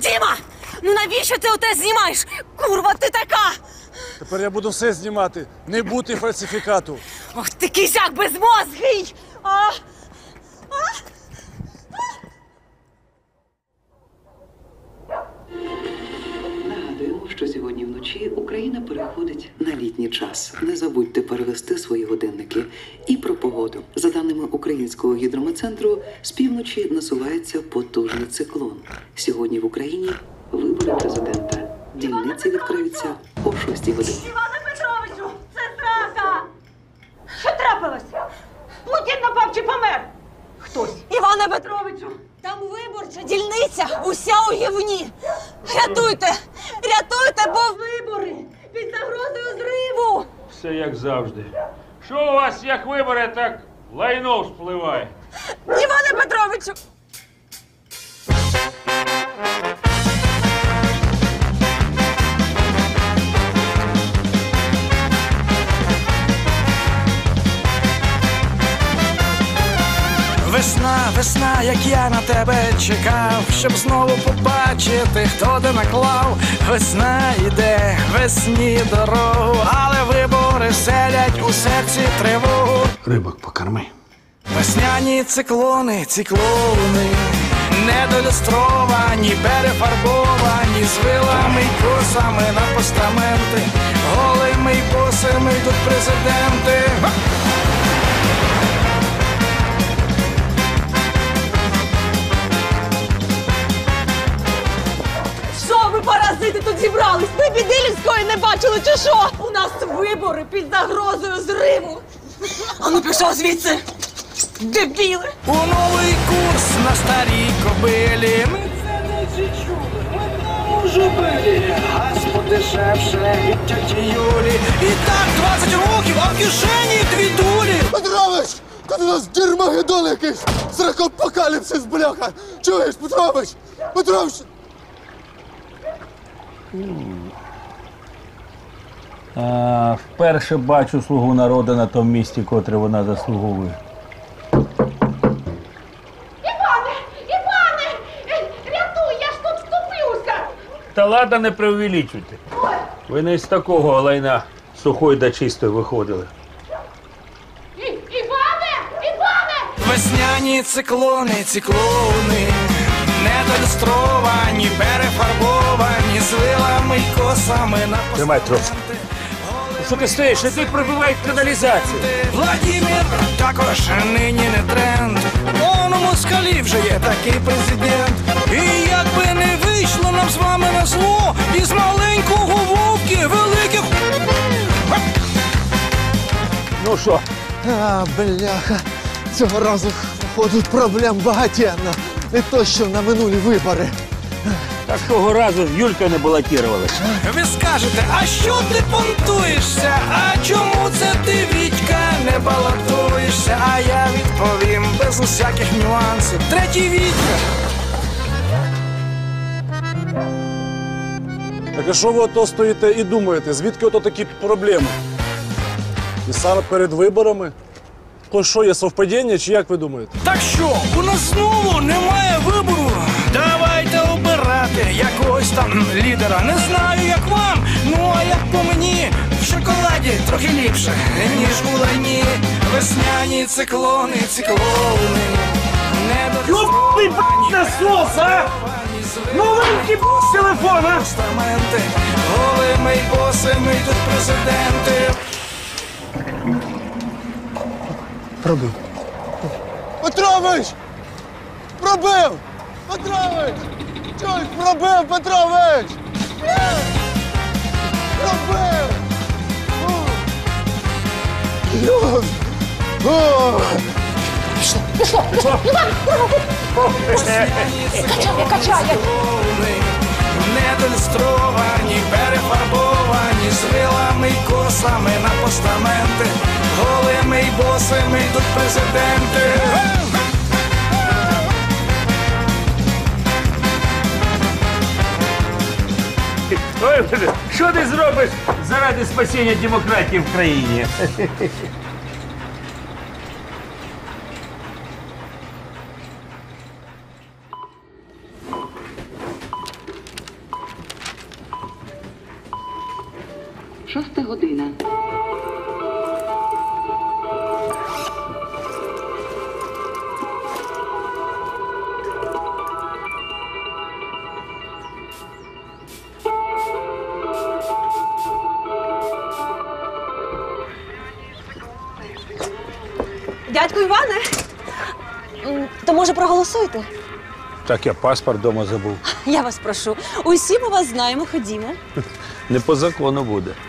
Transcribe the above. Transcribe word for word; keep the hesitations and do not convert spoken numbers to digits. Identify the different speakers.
Speaker 1: Діма! Ну навіщо ти оте знімаєш? Курва, ти така!
Speaker 2: Тепер я буду все знімати. Не бути фальсифікату.
Speaker 1: Ох, ти кізяк безмозгий! А? А?
Speaker 3: Нагадуємо, що сьогодні вночі Україна переходить на літній час. Не забудьте перевести свої годинники. І про погоду. За даними Українського гідрометцентру, з півночі насувається потужний циклон. Сьогодні в Україні вибори президента. Дільниці відкриються о шостій годині.
Speaker 1: Іване Петровичу, це зрада! Що трапилось? Путін напав чи помер? Хтось. Іване Петровичу, там виборча дільниця, уся у гівні. Рятуйте, рятуйте, бо вибори під загрозою зриву.
Speaker 4: Все як завжди. Що у вас, як вибори, так лайно вспливає?
Speaker 1: Іване Петровичу!
Speaker 5: Весна, весна, як я на тебе чекав, щоб знову побачити, хто де наклав. Весна йде, весні дорогу, але вибори селять у серці тривогу.
Speaker 2: Рибок покорми.
Speaker 5: Весняні циклони, циклони, недолюстровані, перефарбовані, з вилами й косами на постаменти, голими й босими йдуть президенти.
Speaker 1: Що ви, паразити, тут зібрались? Ви біди людської не бачили, чи що? У нас вибори під загрозою зриву. А ну пішов звідси, дебіли!
Speaker 5: У новий курс на старій кобилі. Ми це не чули, ми там уже били. Газ подешевше від тьоті Юлі. І так двадцять років, а в кишені дві дулі.
Speaker 2: Петрович! Тут у нас дермагеддон якийсь! Сракопокаліпсис, бляха! Чуєш, Петрович? Петрович!
Speaker 4: А, вперше бачу слугу народу на тому місці, котре вона заслуговує.
Speaker 6: Іване! Іване! Рятуй, я ж тут втоплюся!
Speaker 4: Та ладно, не преувеличуйте. Ви не з такого лайна сухої да чистої виходили.
Speaker 6: І, Іване! Іване!
Speaker 5: Весняні циклони, циклони, недолюстровані, перефарбовані, з вилами й косами на
Speaker 4: Тримай трохи.
Speaker 5: постаменти.
Speaker 4: Що ти стоїш? Іди пробивай каналізацію.
Speaker 5: Владимир також нині не тренд. Он у москалі вже є такий президент. І як би не вийшло нам з вами на зло, із маленького вовки великих.
Speaker 4: Ну що?
Speaker 7: А, бляха, цього разу, походу, проблем багатенно. Не то, що на минулі вибори.
Speaker 4: Так того разу ж Юлька не балотувалась.
Speaker 5: Ви скажете, а що ти понтуєшся? А чому це ти, Вітька, не балотуєшся? А я відповім без усяких нюансів. Третій Вітька.
Speaker 2: Так а що ви ото стоїте і думаєте? Звідки ото такі проблеми? І саме перед виборами? То що, є совпадіння, чи як ви думаєте?
Speaker 5: Так що, у нас знову немає вибору? Давайте обирати якогось там лідера. Не знаю, як вам, ну а як по мені, в шоколаді трохи ліпше, ніж у лайні. Весняні циклони, циклони, недолюстровані,
Speaker 4: насос, а! Ну вийди з телефона!
Speaker 5: постаменти, голими й босими йдуть президенти.
Speaker 7: Пробив.
Speaker 2: Петрович! Пробив! Петрович! Чуєш, пробив, Петрович! Пробив! Йос!
Speaker 5: Качає, качає! Недолюстровані, перефарбовані, з вилами й косами на постаменти, голими й босими йдуть президенти.
Speaker 4: Ой, що ти зробиш заради спасіння демократії в країні?
Speaker 3: Шоста година.
Speaker 1: Дядьку Іване, м, то може проголосуйте?
Speaker 4: Так я паспорт вдома забув.
Speaker 1: Я вас прошу. Усі ми вас знаємо, ходімо.
Speaker 4: Не по закону буде.